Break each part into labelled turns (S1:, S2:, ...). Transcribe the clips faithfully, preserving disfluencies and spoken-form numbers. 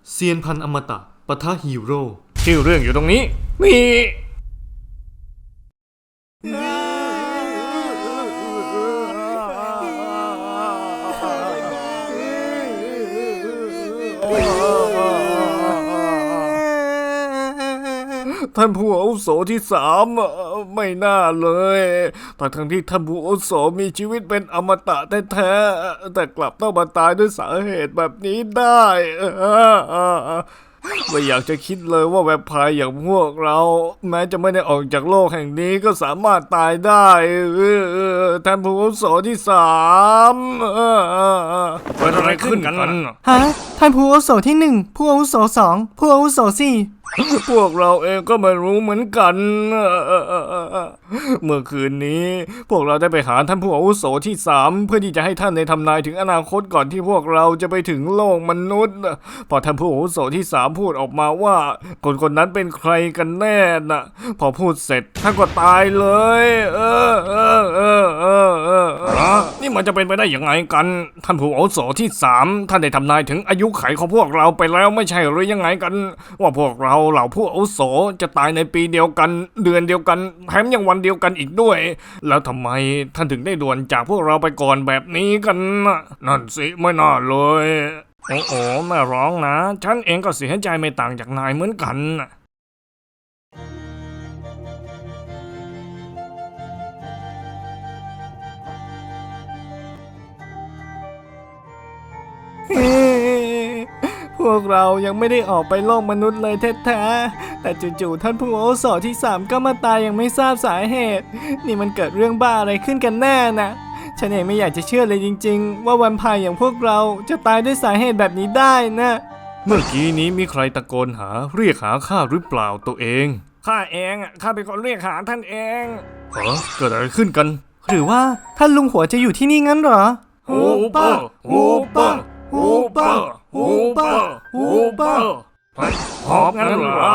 S1: เซียนพันอมตะปะทะฮีโร่
S2: ชื่อเรื่องอยู่ตรงนี้มีท่านผู้อาวุโสที่สามไม่น่าเลยแต่ทั้งที่ท่านผู้อาวุโสมีชีวิตเป็นอมตะแท้ๆแต่กลับต้องมาตายด้วยสาเหตุแบบนี้ได้ไม่อยากจะคิดเลยว่าแวมไพร์อย่างพวกเราแม้จะไม่ได้ออกจากโลกแห่งนี้ก็สามารถตายได้ท่านผู้อาวุโสที่สามเกิดอะไรขึ้นกัน
S3: ฮะท่านผู้อาวุโสที่หนึ่งผู้อาวุโสสองผู้อาวุโสสี่
S2: พวกเราเองก็ไม่รู้เหมือนกันเมื่อคืนนี้พวกเราได้ไปหาท่านผู้อาวุโสที่สามเพื่อที่จะให้ท่านในทำนายถึงอนาคตก่อนที่พวกเราจะไปถึงโลกมนุษย์พอท่านผู้อาวุโสที่สามพูดออกมาว่าคนคนนั้นเป็นใครกันแน่น่ะพอพูดเสร็จท่านก็ตายเลยเออเออเออเออเออนี่มันจะเป็นไปได้ยังไงกันท่านผู้อาวุโสที่สามท่านได้ทำนายถึงอายุขัยของพวกเราไปแล้วไม่ใช่หรือยังไงกันว่าพวกเราเหล่าผู้อาวุโสจะตายในปีเดียวกันเดือนเดียวกันแถมยังวันเดียวกันอีกด้วยแล้วทำไมท่านถึงได้ด่วนจากพวกเราไปก่อนแบบนี้กันนะนั่นสิไม่น่าเลยโอ้โหแม่ร้องนะฉันเองก็เสียใจไม่ต่างจากนายเหมือนกันพวกเรายังไม่ได้ออกไปโลกมนุษย์เลยแท้ๆแต่จู่ๆท่านผู้อาวุโสที่สามก็มาตายอย่างไม่ทราบสาเหตุนี่มันเกิดเรื่องบ้าอะไรขึ้นกันแน่นะฉันเองไม่อยากจะเชื่อเลยจริงๆว่าแวมไพร์อย่างพวกเราจะตายด้วยสาเหตุแบบนี้ได้นะเมื่อกี้นี้มีใครตะโกนหาเรียกหาข้าหรือเปล่าตัวเองข้าเองข้าเป็นคนเรียกหาท่านเองเหรอเกิดอะไรขึ้นกัน
S3: หรือว่าท่านลุงหัวจะอยู่ที่นี่งั้นเหรอ
S2: ฮูเปอร์ฮูเปอร์ฮูเปอร์ฮูเปอร์ฮูเปอร์หอบงั้นเหรอ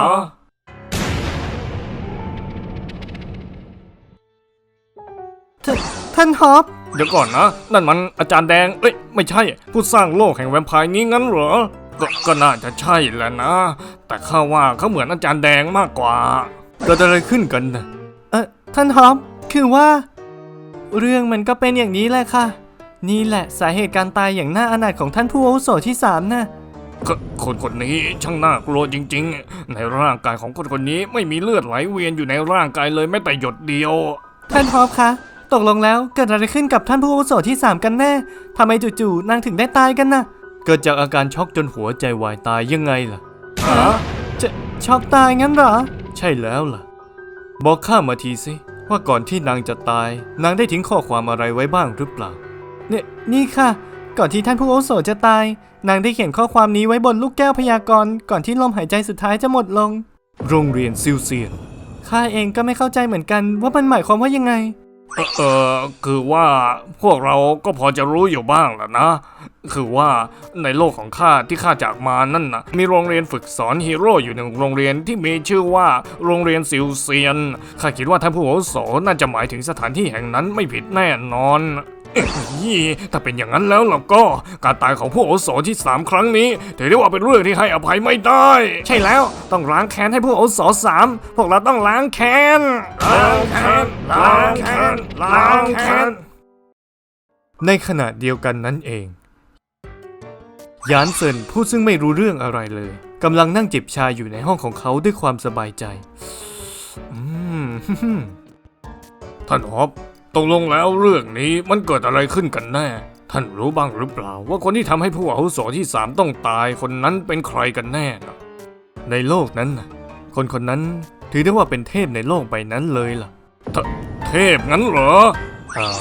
S3: ท่านฮอป
S2: เดี๋ยวก่อนนะนั่นมันอาจารย์แดงเอ้ยไม่ใช่ผู้สร้างโลกแห่งแวมไพร์นี้งั้นเหรอก็ก็น่าจะใช่แหละนะแต่ข้าว่าเขาเหมือนอาจารย์แดงมากกว่าเกิดอะไรขึ้นกันนะ
S3: เออท่านฮอปคือว่าเรื่องมันก็เป็นอย่างนี้แหละค่ะนี่แหละสาเหตุการตายอย่างน่าอนาถของท่านผู้อาวุโสที่สามนะ
S2: คนคนนี้ช่างน่ากลัวจริงๆในร่างกายของคนคนนี้ไม่มีเลือดไหลเวียนอยู่ในร่างกายเลยแม้แต่หยดเดียว
S3: ท่านฮอปคะตกลงแล้วเกิดอะไรขึ้นกับท่านผู้อาวุโสที่สามกันแน่ทำไมจู่ๆนางถึงได้ตายกันนะ
S1: เกิดจากอาการช็อกจนหัวใจวายตายยังไงล่ะ
S3: ฮะจะช็อกตายงั้นเหรอ
S1: ใช่แล้วล่ะบอกข้ามาทีสิว่าก่อนที่นางจะตายนางได้ทิ้งข้อความอะไรไว้บ้างหรือเปล่า
S3: เนี่ยนี่ค่ะก่อนที่ท่านผู้อาวุโสจะตายนางได้เขียนข้อความนี้ไว้บนลูกแก้วพยากรณ์ก่อนที่ลมหายใจสุดท้ายจะหมดลง
S1: โรงเรียนซิลเซียน
S3: ข้าเองก็ไม่เข้าใจเหมือนกันว่ามันหมายความว่ายังไง
S2: เออเออคือว่าพวกเราก็พอจะรู้อยู่บ้างแหละนะคือว่าในโลกของข้าที่ข้าจากมานั่นนะมีโรงเรียนฝึกสอนฮีโร่อยู่หนึ่งโรงเรียนที่มีชื่อว่าโรงเรียนซิลเซียนข้าคิดว่าท่านผู้อาวุโสน่าจะหมายถึงสถานที่แห่งนั้นไม่ผิดแน่นอนถ้าเป็นอย่างนั้นแล้วล่ะก็การตายของผู้อาวุโสที่สามครั้งนี้ถือได้ว่าเป็นเรื่องที่ให้อภัยไม่ได้ใช่แล้วต้องล้างแค้นให้ผู้อาวุโสสามพวกเราต้องล้างแค้นล้างแค้นล้างแค้นล้างแค้น
S1: ในขณะเดียวกันนั้นเองยานเซินผู้ซึ่งไม่รู้เรื่องอะไรเลยกำลังนั่งจิบชาอยู่ในห้องของเขาด้วยความสบายใจ
S2: อืมท่านฮอปตกลงแล้วเรื่องนี้มันเกิดอะไรขึ้นกันแน่ท่านรู้บ้างหรือเปล่าว่าคนที่ทำให้ผู้อาวุโสที่สามต้องตายคนนั้นเป็นใครกันแน่นะ
S1: ในโลกนั้นคนคนนั้นถือได้ว่าเป็นเทพในโลกใบนั้นเลยล่ะ
S2: เทเทพงั้นเหรอ
S1: ฮะ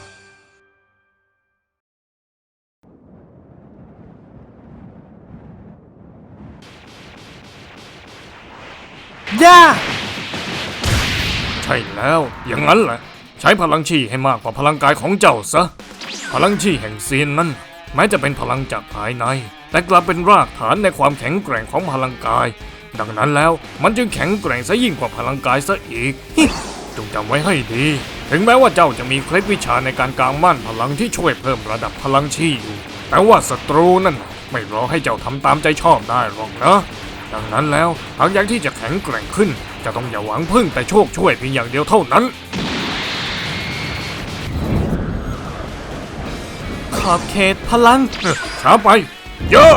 S3: ย่า
S2: ใช่แล้วอย่างนั้นแหละใช้พลังชีให้มากกว่าพลังกายของเจ้าซะพลังชีแห่งเซียนนั้นแม้จะเป็นพลังจากภายในแต่กลับเป็นรากฐานในความแข็งแกร่งของพลังกายดังนั้นแล้วมันจึงแข็งแกร่งซะยิ่งกว่าพลังกายซะอีกจงจำไว้ให้ดีถึงแม้ว่าเจ้าจะมีเคล็ดวิชาในการกางม่านพลังที่ช่วยเพิ่มระดับพลังชีอยู่แต่ว่าศัตรูนั่นไม่รอให้เจ้าทำตามใจชอบได้หรอกนะดังนั้นแล้วหากอยากที่จะแข็งแกร่งขึ้นจะต้องอย่าหวังพึ่งแต่โชคช่วยเพียงอย่างเดียวเท่านั้น
S3: ขอบเขตพลัง
S2: ช้าไปเยอะ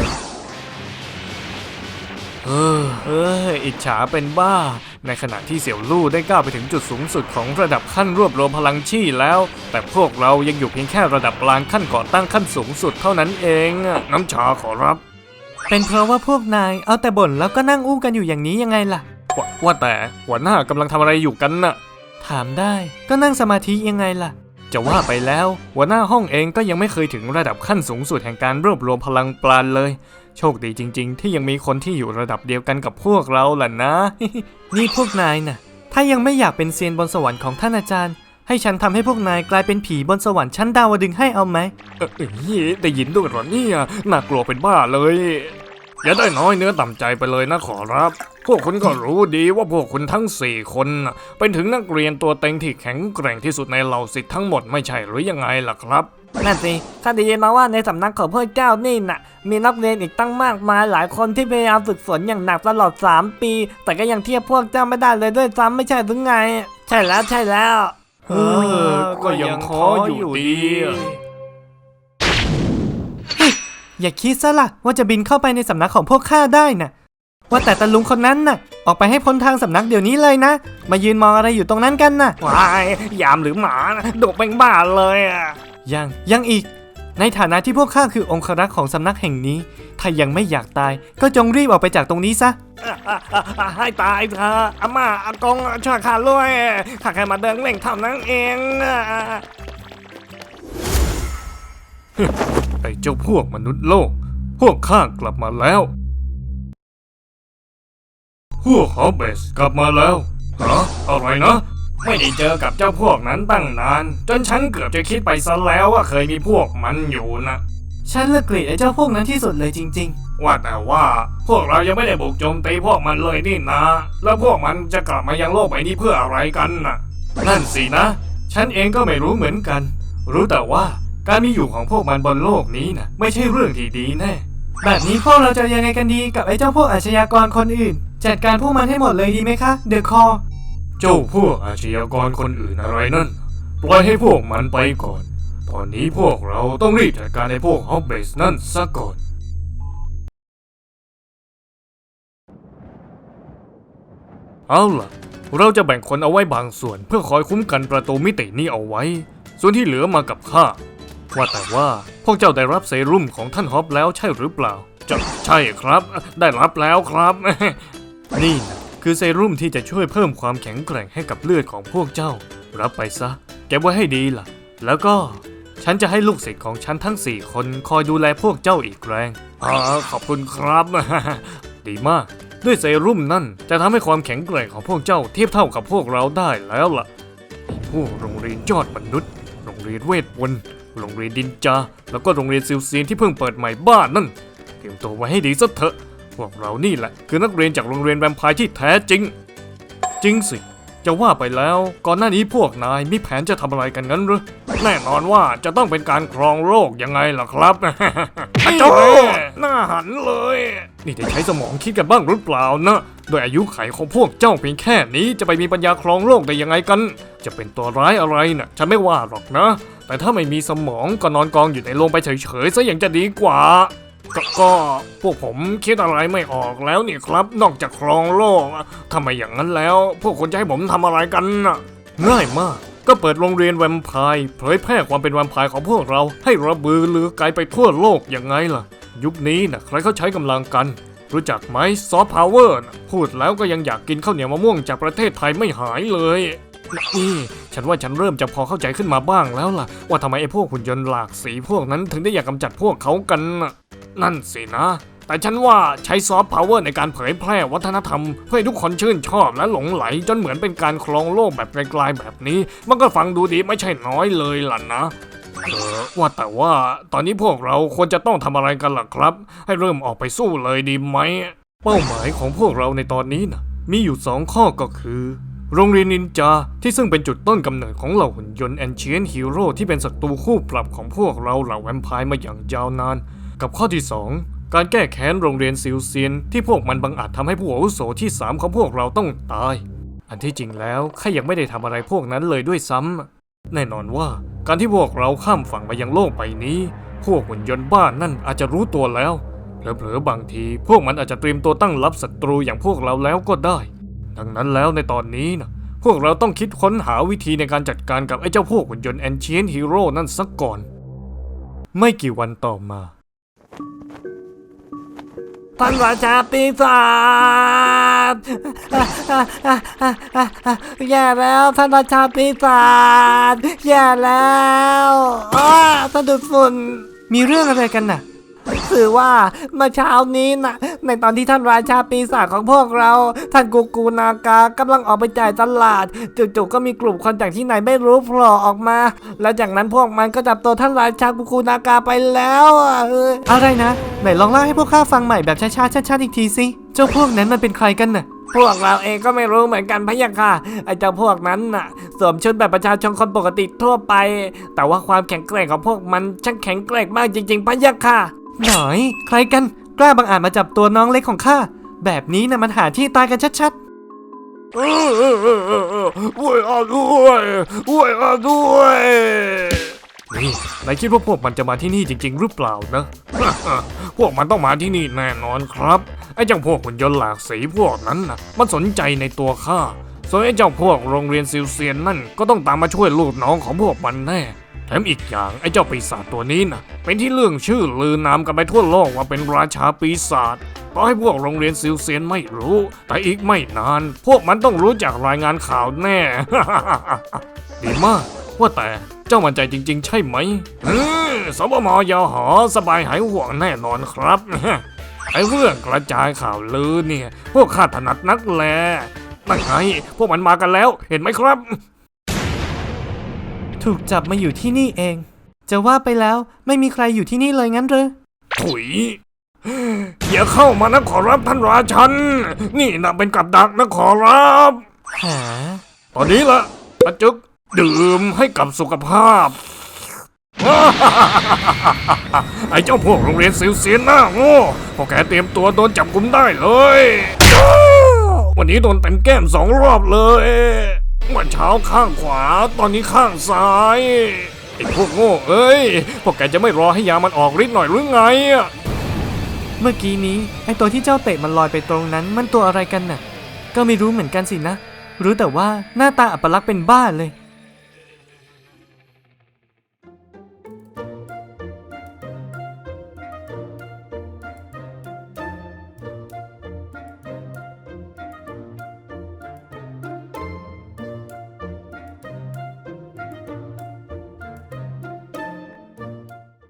S1: เออเอออิจฉาเป็นบ้า ในขณะที่เสี่ยวลู่ได้ก้าวไปถึงจุดสูงสุดของระดับขั้นรวบรวมพลังชี่แล้ว แต่พวกเรายังอยู่เพียงแค่ระดับกลางขั้นก่อตั้งขั้นสูงสุดเท่านั้นเองอะ
S2: น้ำชาขอรับ
S3: เป็นเพราะว่าพวกนายเอาแต่บ่นแล้วก็นั่งอู้กันอยู่อย่างนี้ยังไงล่ะ
S1: ว่าว่าแต่หัวหน้ากำลังทำอะไรอยู่กันน่ะ
S3: ถามได้ก็นั่งสมาธิยังไงล่ะ
S1: จะว่าไปแล้วหัวหน้าห้องเองก็ยังไม่เคยถึงระดับขั้นสูงสุดแห่งการรวบรวมพลังปราณเลย โชคดีจริงๆ ที่ยังมีคนที่อยู่ระดับเดียวกันกับพวกเราล่ะนะ
S3: นี่พวกนายน่ะ ถ้ายังไม่อยากเป็นเซียนบนสวรรค์ของท่านอาจารย์ ให้ฉันทำให้พวกนายกลายเป็นผีบนสวรรค์ชั้นดาวดึงส์ให้เอาไหม
S1: เอ้ยได้ยินด้วยเหรอเนี่ยน่ากลัวเป็นบ้าเลย
S2: อย่าได้น้อยเนื้อต่ำใจไปเลยนะขอรับ พวกคุณก็รู้ดีว่าพวกคุณทั้งสี่คนน่ะเป็นถึงนักเรียนตัวเต็งที่แข็งแกร่งที่สุดในเหล่าศิษย์ทั้งหมดไม่ใช่หรือยังไงล่ะครับ
S3: นั่นสิข้าได้ยินมาว่าในสำนักของพวกเจ้านี่น่ะ มีนักเรียนอีกตั้งมากมายหลายคนที่พยายามฝึกฝนอย่างหนักตลอดสามปี แต่ก็ยังเทียบพวกเจ้าไม่ได้เลยด้วยซ้ำไม่ใช่หรือไง ใช่แล้วใช่แล้ว
S1: เออก็ยังขออยู่ดีอะ
S3: อย่าคิดซะล่ะว่าจะบินเข้าไปในสำนักของพวกข้าได้น่ะ ว่าแต่ตาลุงคนนั้นน่ะ ออกไปให้พ้นทางสำนักเดี๋ยวนี้เลยนะ มายืนมองอะไรอยู่ตรงนั้นกันน่ะ
S2: วายยามหรือหมานะดุเป็นบ้าเลยอ่ะ
S3: ยังยังอีก ในฐานะที่พวกข้าคือองครักษ์ของสำนักแห่งนี้ ถ้ายังไม่อยากตายก็จงรีบออกไปจากตรงนี้ซะ
S2: ให้ตายเถอะอาม่าอากงช่วยข้าด้วยข้าแค่มาเดินเล่นเท่านั้นเอง
S1: ไอ้เจ้าพวกมนุษย์โลก พวกข้ากลับมาแล้ว พวกฮอบเบสกลับมาแล้วฮะอะไรนะ
S2: ไม่ได้เจอกับเจ้าพวกนั้นตั้งนาน จนฉันเกือบจะคิดไปซะแล้วว่าเคยมีพวกมันอยู่นะ
S3: ฉันเลิกเกลียดไอ้เจ้าพวกนั้นที่สุดเลยจริง
S2: ว่าแต่ว่าพวกเรายังไม่ได้บุกโจมตีพวกมันเลยนี่นะ แล้วพวกมันจะกลับมายังโลกใบนี้เพื่ออะไรกันน่ะ
S1: นั่นสินะ ฉันเองก็ไม่รู้เหมือนกัน รู้แต่ว่าการมีอยู่ของพวกมันบนโลกนี้นะไม่ใช่เรื่องที่ดีแน่
S3: ๆ แบบนี้พวกเราจะยังไงกันดีกับไอ้เจ้าพวกอาชญากรคนอื่น จัดการพวกมันให้หมดเลยดีไหมคะเดอะคอ
S1: เจ้าพวกอาชญากรคนอื่นอะไรนั่น ปล่อยให้พวกมันไปก่อน ตอนนี้พวกเราต้องรีบจัดการไอ้พวกฮอบเบสนั่นซะก่อน เอาล่ะ เราจะแบ่งคนเอาไว้บางส่วนเพื่อคอยคุ้มกันประตูมิตินี้เอาไว้ ส่วนที่เหลือมากับข้า ว่าแต่ว่าพวกเจ้าได้รับเซรุ่มของท่านฮอบแล้วใช่หรือเปล่า
S2: จะใช่ครับ ได้รับแล้วครับ
S1: นี่นะคือเซรุ่มที่จะช่วยเพิ่มความแข็งแกร่งให้กับเลือดของพวกเจ้า รับไปซะเก็บไว้ให้ดีล่ะ แล้วก็ฉันจะให้ลูกศิษย์ของฉันทั้งสี่คนคอยดูแลพวกเจ้าอีกแรง
S2: อ่าขอบคุณครับ
S1: ดีมาก ด้วยเซรุ่มนั่นจะทำให้ความแข็งแกร่งของพวกเจ้าเทียบเท่ากับพวกเราได้แล้วล่ะพวกโรงเรียนยอดมนุษย์ โรงเรียนเวทมนต์โรงเรียนดินจา แล้วก็โรงเรียนซิลเซียนที่เพิ่งเปิดใหม่บ้านนั่น เตรียมตัวไว้ให้ดีซะเถอะ พวกเรานี่แหละคือนักเรียนจากโรงเรียนแวมไพร์ที่แท้จริง จริงสิ จะว่าไปแล้วก่อนหน้านี้พวกนายมีแผนจะทำอะไรกันงั้นหรือ
S2: แน่นอนว่าจะต้องเป็นการครองโลกยังไงล่ะครับ
S1: นี่
S2: เจ้า
S1: แน่
S2: หน้าหันเลย
S1: นี่ได้ใช้สมองคิดกันบ้างหรือเปล่านะโดยอายุไขของพวกเจ้าเพียงแค่นี้จะไปมีปัญญาครองโลกได้ยังไงกัน จะเป็นตัวร้ายอะไรน่ะฉันไม่ว่าหรอกนะ แต่ถ้าไม่มีสมองก็นอนกองอยู่ในโรงไปเฉยๆซะยังจะดีกว่า
S2: ก็ก็พวกผมคิดอะไรไม่ออกแล้วนี่ครับ นอกจากครองโลกทำไมอย่างนั้นแล้ว พวกคุณจะให้ผมทำอะไรกันน่ะ
S1: ง่ายมาก ก็เปิดโรงเรียนแวมไพร์เผยแพร่ความเป็นแวมไพร์ของพวกเราให้ระบือลือไกลไปทั่วโลกยังไงล่ะ ยุคนี้นะใครเขาใช้กำลังกัน รู้จักไหมซอฟต์พาวเวอร์พูดแล้วก็ยังอยากกินข้าวเหนียวมะม่วงจากประเทศไทยไม่หายเลยนี่ฉันว่าฉันเริ่มจะพอเข้าใจขึ้นมาบ้างแล้วล่ะ ว่าทำไมไอ้พวกหุ่นยนต์หลากสีพวกนั้นถึงได้อยากกำจัดพวกเขากันน่ะนั่นสินะ แต่ฉันว่าใช้ซอฟต์พาวเวอร์ในการเผยแพร่วัฒนธรรมเพื่อให้ทุกคนชื่นชอบและหลงไหลจนเหมือนเป็นการครองโลกแบบไกลๆแบบนี้ มันก็ฟังดูดีไม่ใช่น้อยเลยล่ะนะ เออว่าแต่ว่าตอนนี้พวกเราควรจะต้องทำอะไรกันล่ะครับ ให้เริ่มออกไปสู้เลยดีไหม เป้าหมายของพวกเราในตอนนี้นะมีอยู่สองข้อก็คือโรงเรียนนินจาที่ซึ่งเป็นจุดต้นกำเนิดของเหล่าหุ่นยนต์แอนเชียนฮีโร่ที่เป็นศัตรูคู่ปรับของพวกเราเหล่าแวมไพร์มาอย่างยาวนานกับข้อที่สองการแก้แค้นโรงเรียนซิลเซียนที่พวกมันบังอาจทำให้ผู้อาวุโสที่สามของพวกเราต้องตาย อันที่จริงแล้วข้ายังไม่ได้ทำอะไรพวกนั้นเลยด้วยซ้ำแน่นอนว่าการที่พวกเราข้ามฝั่งมายังโลกใบนี้พวกหุ่นยนต์บ้านนั่นอาจจะรู้ตัวแล้วเผลอๆบางทีพวกมันอาจจะเตรียมตัวตั้งรับศัตรูอย่างพวกเราแล้วก็ได้ดังนั้นแล้วในตอนนี้นะพวกเราต้องคิดค้นหาวิธีในการจัดการกับไอ้เจ้าพวกหุ่นยนต์แอนเชียนฮีโร่นั่นสักก่อนไม่กี่วันต่อมา
S3: ท่านราชาปีศาจแย่แล้วท่านราชาปีศาจแย่แล้วอ้าสะดุดฝุ่น
S2: มีเรื่องอะไรกันน่ะ
S3: คือว่าเมื่อเช้านี้นะในตอนที่ท่านราชาปีศาจของพวกเรา ท่านกูกูนากากำลังออกไปจ่ายตลาดจู่ๆก็มีกลุ่มคนจากที่ไหนไม่รู้โผล่ออกมา แล้วจากนั้นพวกมันก็จับตัวท่านราชากูกูนากาไปแล้วอะเออ
S2: อะไรนะไหนลองเล่าให้พวกข้าฟังใหม่แบบช้าๆชัดๆอีกทีสิเจ้าพวกนั้นมันเป็นใครกันน่ะ
S3: พวกเราเองก็ไม่รู้เหมือนกันพะยะค่ะไอ้เจ้าพวกนั้นน่ะสวมชุดแบบประชาชนคนปกติทั่วไป แต่ว่าความแข็งแกร่งของพวกมันช่างแข็งแกร่งมากจริงๆพะยะค่ะ
S2: หน่อยใครกันกล้าบังอาจมาจับตัวน้องเล็กของข้าแบบนี้นะมันหาที่ตายกันชัด
S1: เออเออเออเออเออช่วยอาด้วยช่วยอาด้วยนี่นายคิดว่าพวกมันจะมาที่นี่จริงๆหรือเปล่านะ พวกมันต้องมาที่นี่แน่นอนครับไอ้เจ้าพวกหุ่นยนต์หลากสีพวกนั้นนะมันสนใจในตัวข้าส่วนไอ้เจ้าพวกโรงเรียนซิลเซียนนั่นก็ต้องตามมาช่วยลูกน้องของพวกมันแน่แถมอีกอย่างไอ้เจ้าปีศาจตัวนี้นะเป็นที่เรื่องชื่อลือนามกันไปทั่วโลกว่าเป็นราชาปีศาจต่อให้พวกโรงเรียนซิลเซียนไม่รู้ แต่อีกไม่นาน พวกมันต้องรู้จากรายงานข่าวแน่ ดีมากว่าแต่เจ้ามั่นใจจริงๆใช่ไหมอืมสบมยหอสบายหายห่วงแน่นอนครับ ไอ้เรื่องกระจายข่าวลือเนี่ยพวกข้าถนัดนักแลนั่นไงพวกมันมากันแล้วเห็นไหมครับ
S2: ๆ ถูกจับมาอยู่ที่นี่เอง จะว่าไปแล้วไม่มีใครอยู่ที่นี่เลยงั้นหรือ
S1: ถุยอย่าเข้ามานะขอรับท่านราชันนี่นะเป็นกับดักนะขอรับ
S2: หา
S1: ตอนนี้ละอาจึกดื่มให้กับสุขภาพ ไอ้เจ้าพวกโรงเรียนซิลเซียนหน้าโง่พวกแกเตรียมตัวโดนจับกุมได้เลย วันนี้โดนเต็มแก้มสองรอบเลยเมื่อเช้าข้างขวาตอนนี้ข้างซ้ายไอ้พวกโง่เอ้ยพวกแกจะไม่รอให้ยามันออกฤทธิ์หน่อยหรือไง
S2: เมื่อกี้นี้ไอตัวที่เจ้าเตะมันลอยไปตรงนั้นมันตัวอะไรกันน่ะ ก็ไม่รู้เหมือนกันสินะ รู้แต่ว่าหน้าตาอัปลักษณ์เป็นบ้าเลย